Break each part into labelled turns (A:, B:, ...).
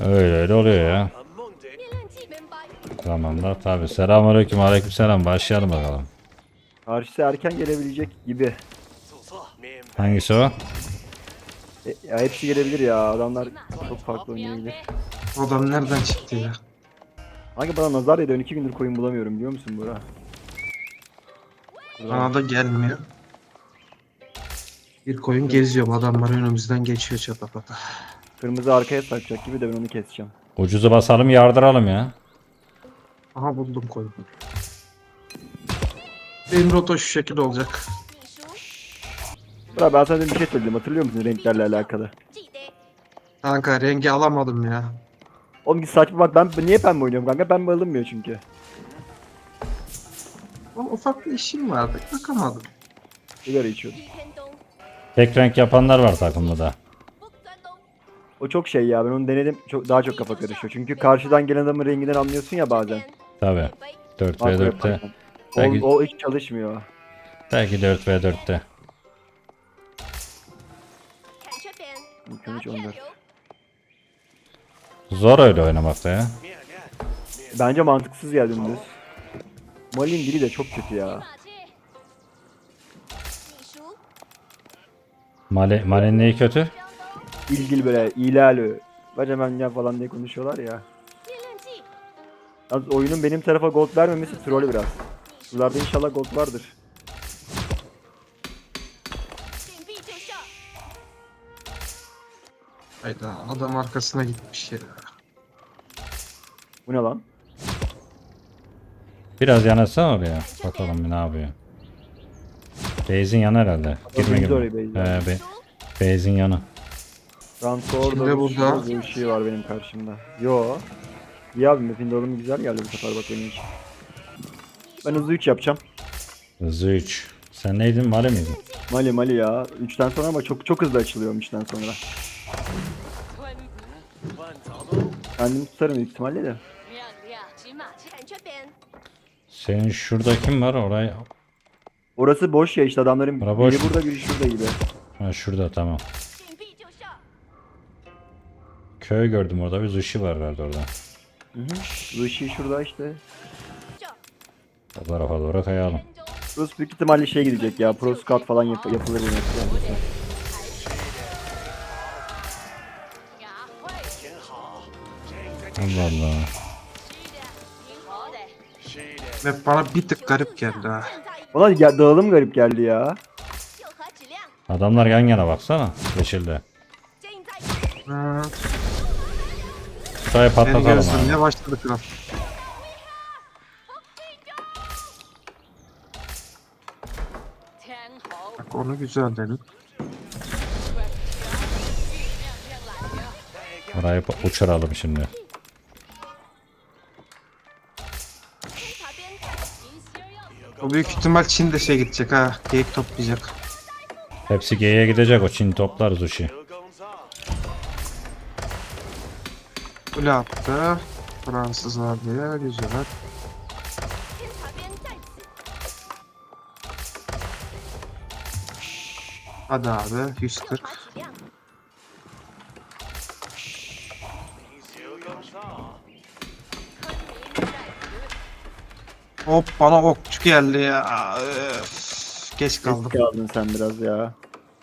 A: Öyle öyle oluyor ya. Tamam da tabi. Selamünaleyküm, aleykümselam. Başlayalım bakalım.
B: Karşısı erken gelebilecek gibi.
A: Hangisi o?
B: Ya hepsi gelebilir ya. Adamlar çok farklı oynayabilir.
C: O adam nereden çıktı ya?
B: Hangi bana nazar değdi? 2 gündür koyun bulamıyorum biliyor musun Burak?
C: Bana da gelmiyor. Bir koyun geziyor. Bu adamlar önümüzden geçiyor çatapata.
B: Kırmızı arkaya sarkacak gibi de ben onu keseceğim.
A: Ucuzu basalım, yardıralım ya.
C: Aha buldum koyunu. Benim rota şu şekilde olacak.
B: Burak ben sana bir şey söyledim hatırlıyor musun renklerle alakalı?
C: Kanka rengi alamadım ya.
B: Oğlum git saçma bak ben niye pembe oynuyorum kanka? Pembe alınmıyor çünkü.
C: Ama ufak bir işim vardı. Bakamadım.
B: Sigara içiyordum.
A: Tek renk yapanlar var takımda da.
B: O çok şey ya ben onu denedim. Daha çok kafa karışıyor. Çünkü karşıdan gelen adamın renginden anlıyorsun ya bazen.
A: Tabi. 4 v
B: Makro
A: 4'te.
B: yaparken.
A: Belki,
B: O hiç çalışmıyor.
A: belki 4 v 4'te.
B: 13-14.
A: Zor öyle oynamakta ya.
B: Bence mantıksız geldi dümdüz. Malin dili de çok kötü ya.
A: Male'nin neyi kötü?
B: İlgili böyle ilalü. Bacamen ya falan diye konuşuyorlar ya. Yalnız oyunun benim tarafa gold vermemesi troll biraz. Sularda inşallah gold vardır.
C: Hayda adam arkasına gitmiş ya.
B: Bu ne lan?
A: Biraz yanaşsana oraya. Bakalım bir ne yapıyor. Base'in yanı herhalde. Girme
B: Biz de oraya
A: girme.
B: base'den.
A: Base'in yanı.
B: Fransa
C: Şimdi
B: orada
C: burada.
B: bir şey var benim karşımda. Yo. İyi abi map'in dağılımı güzel geldi bu sefer bak benim için. Ben hızlı 3 yapacağım.
A: Hızlı 3. Sen neydin? Male miydin?
B: Mali ya. 3'ten sonra ama çok hızlı açılıyorum 3'ten sonra. Kendimi tutarım büyük ihtimalle de.
A: Senin şurada kim var? Orayı...
B: Orası boş ya işte adamların
A: Bura boş
B: biri
A: mu?
B: burada biri şurada gibi.
A: Ha şurada tamam. Köy gördüm orada. Bir sushi var herhalde orada.
B: Hı hı. Bu işi şurada işte.
A: O tarafa doğru kayalım.
B: Burası büyük ihtimalle şey gidecek ya. Pro scout falan yapılır bu map'te.
A: Allah Allah.
C: Ve bana bir tık garip geldi ha.
B: Ona dağılım garip geldi ya.
A: Adamlar yan yana baksana. Yeşilde.
C: Ha,
A: Şurayı
C: beni
A: patlatalım abi.
C: gözlemeye başladı kral. Bak onu güzel dedim.
A: Orayı uçuralım şimdi.
C: O büyük ihtimal Çin de şey gidecek ha. Geyik toplayacak.
A: Hepsi G'ye gidecek. O Çin toplar sushi.
C: Kule attı. Fransız var diye güzel. Hadi abi 140. Hop bana okçu geldi ya. Öf, geç kaldım.
B: Eski aldın sen biraz ya.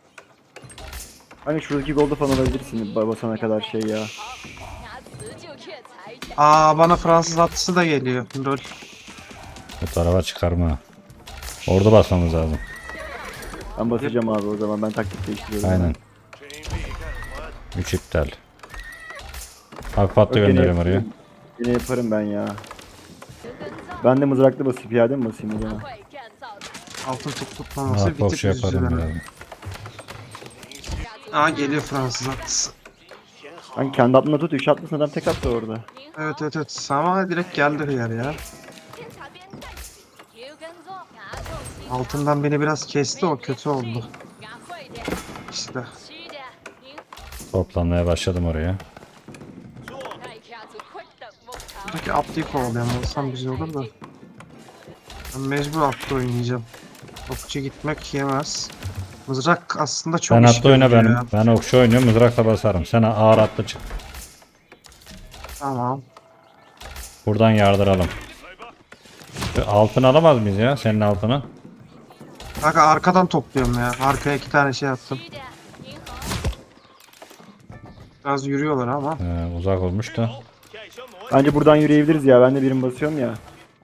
B: Hani şuradaki golda falan alabilirsin basana kadar şey ya.
C: Aa bana Fransız atlısı da geliyor. Lol.
A: Bu tarafa çıkarma. Orada basmamız lazım.
B: Ben basacağım abi o zaman ben taktik değiştiriyorum.
A: Aynen. 3 iptal. Hak patla
B: Yok,
A: gönderiyorum oraya.
B: Yine yaparım ben ya. Ben de mızraklı basıp piyade mi basayım o zaman?
C: Altın top tutmaması
A: Hak
C: bir tık
A: bokşu yaparım
C: üzücü.
A: birazdan.
C: Aa geliyor Fransız atlısı.
B: Ben kendi aklımda tut 3 atlısın adam tek attı orada.
C: Evet ama direkt geldi hıyar ya. Altından beni biraz kesti o kötü oldu. İşte.
A: Toplanmaya başladım oraya.
C: Buradaki atlıyı kovalayan olsam güzel olur da. Ben mecbur atlı oynayacağım. Okçu gitmek yemez. Mızrak aslında çok
A: Sen
C: iş
A: atlı oyna
C: görüyor
A: benim.
C: ya.
A: Ben okçu oynuyorum. Mızrakla basarım. Sen ağır atlı çık.
C: Tamam.
A: Buradan yardıralım. Şu altını alamaz mıyız ya? Senin altını.
C: Kanka arkadan topluyorum ya. Arkaya 2 tane şey attım. Biraz yürüyorlar ama.
A: Uzak olmuş da.
B: Bence buradan yürüyebiliriz ya. Ben de birim basıyorum ya.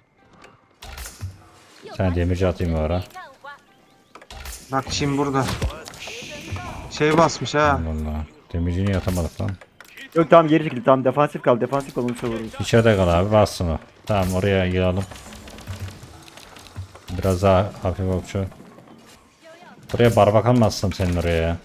A: Sen demirci atayım o ara.
C: Bak şimdi burada. Şey basmış ha.
A: Vallahi. Demirci niye atamadık lan?
B: Yok tamam geri çekil. Tamam defansif kal. Defansif kal onu savururuz.
A: İçeride kal abi, bassın o. Tamam, oraya yığalım. Biraz daha hafif okçu. Buraya barbakan mı assam senin oraya ya?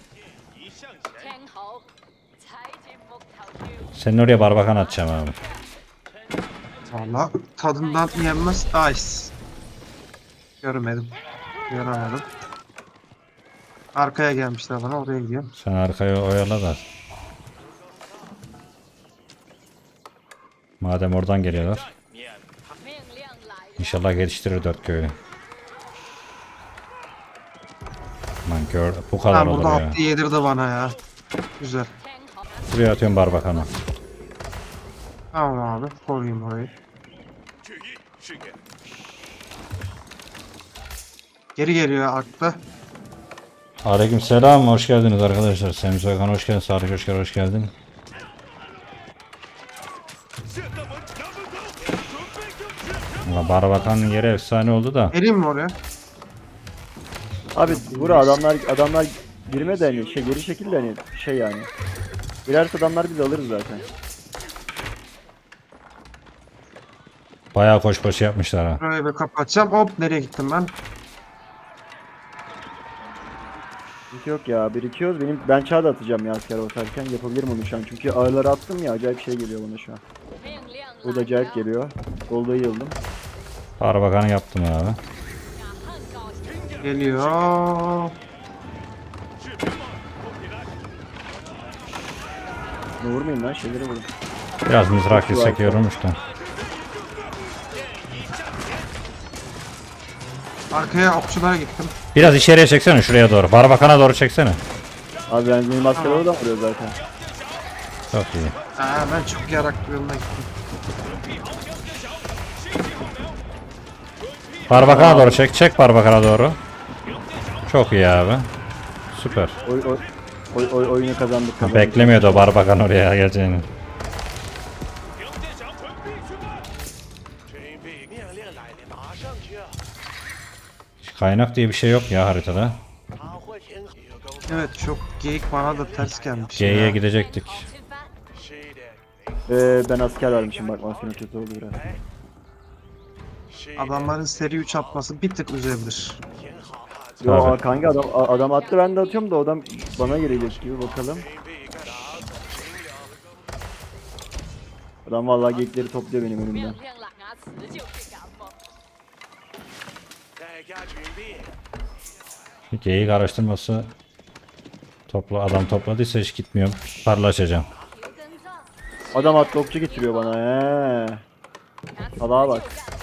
A: Senin oraya barbakan atacağım abi.
C: Valla tadından yenmez. Ice. Görmedim. Göremedim. Arkaya gelmişler bana, oraya gidiyorum.
A: Sen arkaya oyala da. Madem oradan geliyorlar. İnşallah geliştirir 4 köyü. Aman gör, bu kadar
C: Ben
A: olur
C: burada
A: ya.
C: attı yedirdi bana ya. Güzel.
A: Buraya atıyorum barbakanı.
C: Tamam abi, koruyayım orayı. Geri geliyor aklı.
A: Aleyküm selam, hoş geldiniz arkadaşlar. Semih Soykan hoş geldin, Sarı Coşkar hoş geldin. Ama barbakanın yeri efsane oldu da.
C: Geleyim mi oraya?
B: Abi bura adamlar girme de hani şey geri şekilde hani şey yani. Girerse adamlar biz alırız zaten.
A: Bayağı koş yapmışlar ha.
C: Burayı bir kapatacağım. Hop, nereye gittim ben?
B: Hiç yok ya birikiyoruz. Ben çağ da atacağım ya asker basarken yapabilirim onu şu an. Çünkü ağırları attım ya acayip şey geliyor bana şu an. Bu da acayip geliyor. Golda yıldım.
A: Barbakanı yaptım abi.
C: Geliyor.
B: Ne vurmayın lan şeyleri vurun.
A: Biraz mızrak gitsek yorulmuş da.
C: Arkaya okçulara gittim.
A: Biraz içeriye çeksene, şuraya doğru. Barbakana doğru çeksene.
B: Abi benim asker oradan vuruyor zaten.
A: Çok iyi.
C: Ben çok yarak bir yoluna gittim.
A: Barbakana doğru çek. Çek barbakana doğru. Çok iyi abi. Süper.
B: Oyunu kazandık.
A: Beklemiyordu o barbakan oraya geleceğini. Kaynak diye bir şey yok ya haritada.
C: Evet, çok geyik bana da ters gelmiş.
A: G'ye
C: ya.
A: gidecektik.
B: Ben asker vermişim bak maskenin kötü oldu biraz.
C: Adamların seri 3 atması bir tık üzebilir.
B: Yo
A: Tabii.
B: kanka adam attı ben de atıyorum da adam bana gelecek gibi bakalım. Adam vallahi geyikleri topluyor benim önümden.
A: G'yi araştırması adam topladıysa hiç gitmiyorum. Parlaşacağım.
B: Adam attı okçu getiriyor bana he. Salaha bak.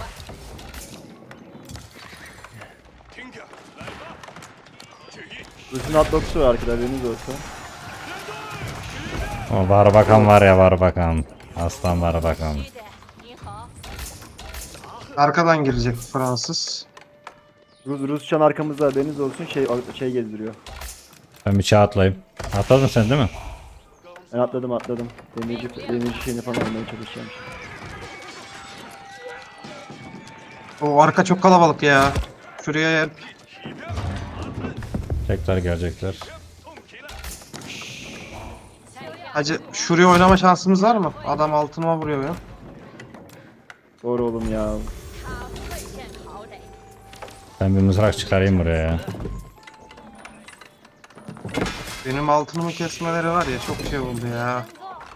B: Rus'un atlı okçusu var arkada haberiniz olsun.
A: O barbakan var ya, barbakan. Aslan barbakan.
C: Arkadan girecek Fransız.
B: Rusçan arkamızda haberiniz olsun şey gezdiriyor.
A: Ben bir çağ atlayayım. Atladın sen değil mi?
B: Ben atladım. Demirci şeyini falan almaya çalışacağım.
C: O arka çok kalabalık ya. Şuraya yer.
A: Tekrar gelecekler.
C: Hacı, şuraya oynama şansımız var mı? Adam altıma vuruyor ya.
B: Doğru oğlum ya.
A: Ben bir mızrak çıkarayım buraya ya.
C: Benim altınımı kesmeleri var ya, çok şey oldu ya.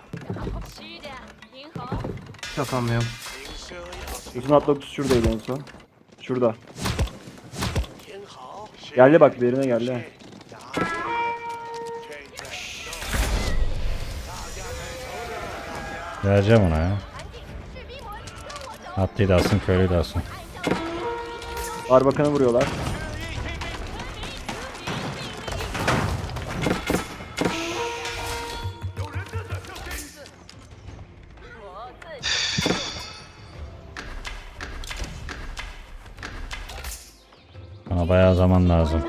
C: Hiç atamıyorum.
B: Rus'un atlı okçusu şuradaydı en son. Şurada. Geldi bak birine geldi.
A: Vereceğim ona ya. Atlıyı da alsın, köylüyü de alsın.
B: Barbakan'ı vuruyorlar.
A: Bana bayağı zaman lazım.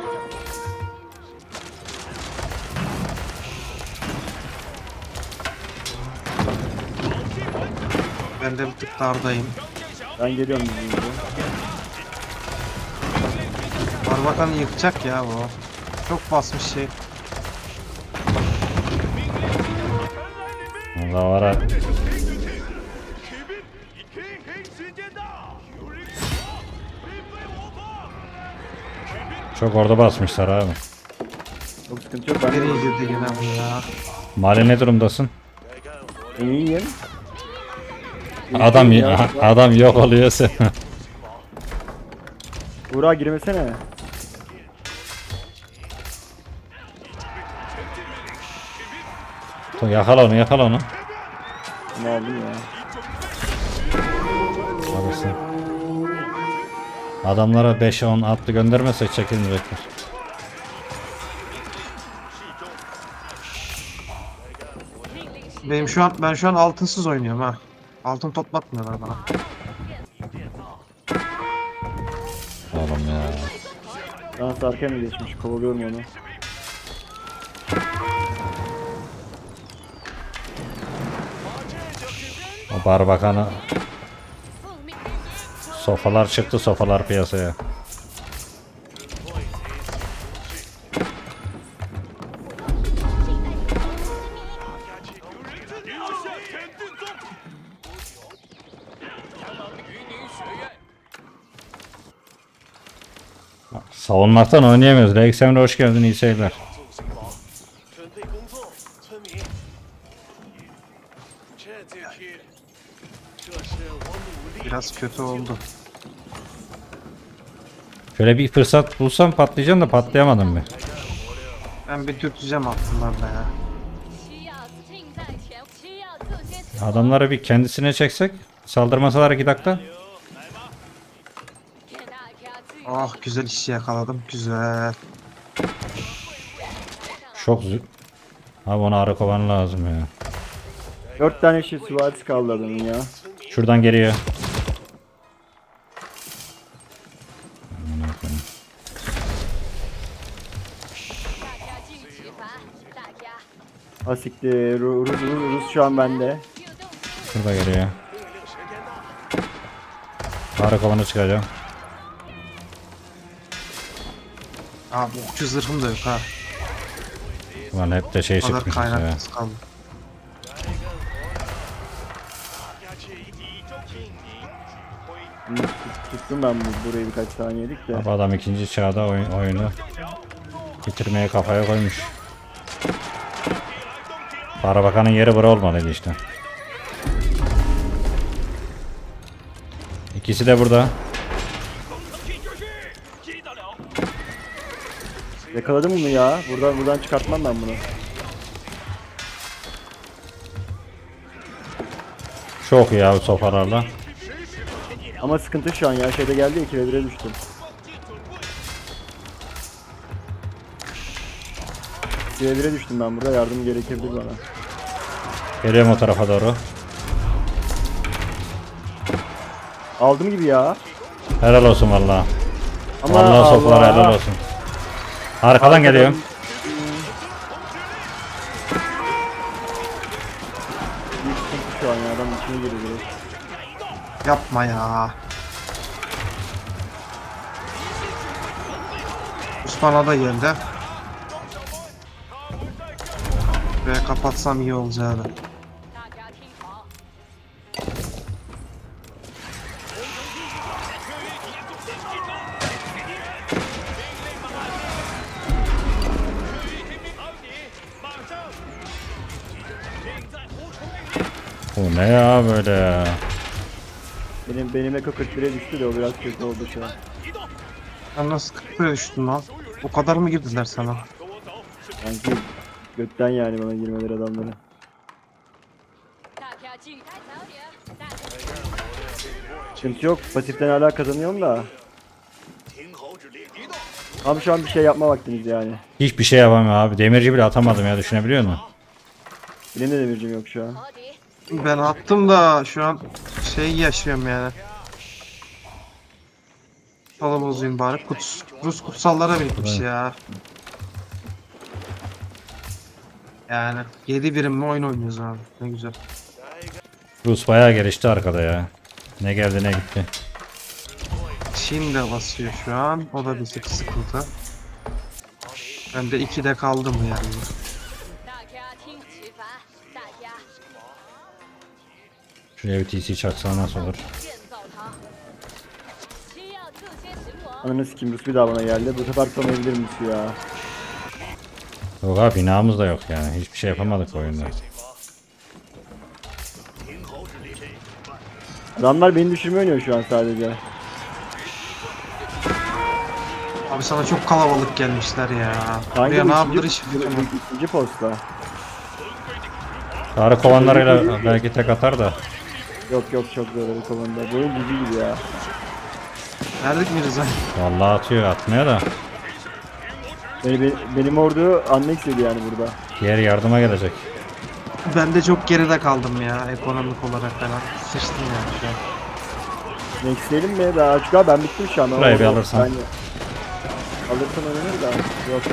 C: Ben de bir tık dardayım.
B: Ben geliyorum bizim gibi.
C: Barbakan'ı yıkacak ya bu. Çok basmış şey.
A: Allah var ha. Çok orada basmışlar abi.
B: Çok sıkıntı yok. Ben
C: Nereye
B: de
C: girdi gene bu ya?
A: Mali ne durumdasın?
B: iyiyim.
A: Adam adam yok oluyorsa.
B: Buğra girmesene.
A: Yakala onu, yakala onu.
B: Ne oldu ya?
A: Alırsın. Adamlara 5'e 10 atlı göndermezsek çekilmeyecekler.
C: Ben şu an altınsız oynuyorum ha. Altın toplatmıyorlar bana.
A: Oğlum ya.
B: Dans arkaya mı geçmiş? Kovalıyorum onu.
A: O barbakanı. Sofalar çıktı, sofalar piyasaya. Savunmaktan oynayamıyoruz. Rex Emre hoş geldin, iyi seyirler.
D: 准备工作，村民。这是我努力。
C: Biraz kötü oldu.
A: Şöyle bir fırsat bulsam patlayacağım da patlayamadım bir.
C: Ben bir dürteceğim altınlarla ya.
E: 需要近在前，需要这些
A: Adamları bir kendisine çeksek. Saldırmasalar 2 dakika.
E: 给大家自由。
C: Oh güzel işi yakaladım. Güzel.
A: Çok zü... Abi ona arı kovan lazım ya.
B: 4 tane şey süvarisi kaldı adamın ya.
A: Şuradan geliyor.
E: 大家进体罚，大家
B: Asiktir. Rus şu an bende.
E: 就动手。
A: Şurada geliyor. Arı kovanı çıkacağım.
C: Abi okçu zırhım da yok ha.
A: Ulan hep de şey
C: O kadar
A: çıkmış ya.
C: kaynaksız kaldı.
B: Tuttum ben burayı birkaç saniyelik de.
A: Abi adam 2. çağda oyunu bitirmeye kafaya koymuş. Barbakanın yeri bura olmalıydı işte. İkisi de burada.
B: Yakaladım bunu ya. Buradan çıkartmam ben bunu.
A: Çok iyi abi sofalarla.
B: Ama sıkıntı şu an ya. Şeyde geldi ya 2'ye 1'e düştüm. İkiye 1'e düştüm ben burada. Yardım gerekebilir bana.
A: Geliyorum o tarafa doğru.
B: Aldım gibi ya.
A: Helal olsun valla.
B: Ama
A: Vallahi sofalar helal olsun. Arkadan geliyorum.
B: Büyük sıkıntı şu an ya. Adam içine giriyor direkt.
C: Yapma ya. Osman'a da geldi. Buraya kapatsam iyi olacaktı.
E: 大家听好，
A: Bu ne ya böyle ya.
B: Benim Eko 41'e düştü de o biraz kötü oldu şu an.
C: Sen nasıl 40'a düştün lan? O kadar mı girdiler sana?
B: Sanki götten yani bana girmeleri adamları.
E: 大家进来早点，大家
B: Sıkıntı yok. Pasiften hala kazanıyorum da. Tam şu an bir şey yapma vaktiniz yani.
A: Hiçbir şey yapamıyor abi. Demirci bile atamadım ya, düşünebiliyor musun?
B: Benim de demircim yok şu an.
E: 合敌，
C: Ben attım da şu an şey yaşıyorum yani. Kutsalı bozayım bari. Rus kutsallara bitmiş
A: Evet.
C: ya. Yani 7 birimli oyun oynuyoruz abi. Ne güzel.
A: Rus bayağı gelişti arkada ya. Ne geldi ne gitti.
C: Çin de basıyor şu an. O da bir tık sıkıntı. Ben de 2'de kaldım yani.
E: 大家听启发，大家
A: Şuraya bir TC çaksa nasıl olur?
E: 建造它。需要自先行我。
B: Ananı sikeyim Rus bir daha bana geldi. Bu sefer tutamayabilir misin ya?
A: Yok abi binamız da yok yani. Hiçbir şey yapamadık oyunda.
B: Adamlar beni düşürmeye oynuyor şu an sadece.
C: Abi sana çok kalabalık gelmişler ya.
B: Kanka
C: Buraya ne
B: bu
C: yapılır
B: ikinci,
C: hiç bilmiyorum.
B: ikinci posta.
A: Tarık kovanlarıyla belki tek atar da.
B: Yok yok çok zor o konuda. Bu oyun cici gibi ya.
C: Verdik mi Rıza?
A: Vallahi atıyor atmıyor da.
B: Benim ordu annexledi yani burada.
A: Diğer yardıma gelecek.
C: Ben de çok geride kaldım ya ekonomik olarak falan. Sıçtım yani şu an.
B: Nexleyelim mi? Daha çünkü abi ben bittim şu an.
A: Burayı bir
B: Orada-
A: alırsan.
B: Alırsan oynanır da. Yok.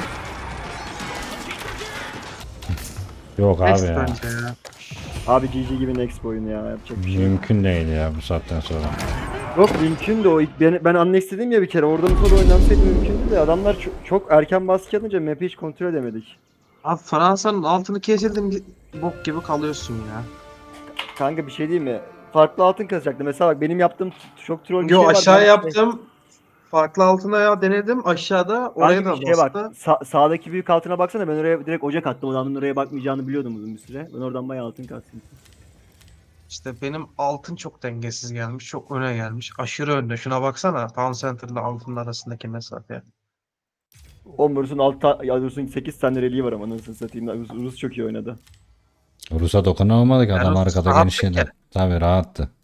A: Yok abi
C: Next
A: ya.
C: bence ya.
B: Abi GG gibi next bu oyun ya. Yapacak bir şey yok.
A: Mümkün değil ya bu saatten sonra.
B: Yok mümkün de o. Ben annex dedim ya bir kere. Orada mı sonra oynansaydı mümkündü de. Adamlar çok erken baskı atınca map'i hiç kontrol edemedik.
C: Abi Fransa'nın altını kesildin bok gibi kalıyorsun ya.
B: Kanka bir şey değil mi? Farklı altın kazacaktı. Mesela bak benim yaptığım çok troll bir
C: Yo
B: şey var.
C: aşağı
B: Ben-
C: yaptım. Farklı altına ya denedim. Aşağıda oraya
B: Kanka
C: da
B: bir şeye bak.
C: bastı.
B: Sağdaki büyük altına baksana. Ben oraya direkt ocak attım. Adamın oraya bakmayacağını biliyordum uzun bir süre. Ben oradan bayağı altın kastım.
C: İşte benim altın çok dengesiz gelmiş. Çok öne gelmiş. Aşırı önde. Şuna baksana. Town Center ile altının arasındaki mesafe.
B: O Rus'un 8 tane reliği var ama nasıl satayım. Rus çok iyi oynadı.
A: Rus'a dokunamadık adam
C: Rus
A: arkada
C: rahat
A: genişledi.
C: bir kere.
A: Tabii rahattı.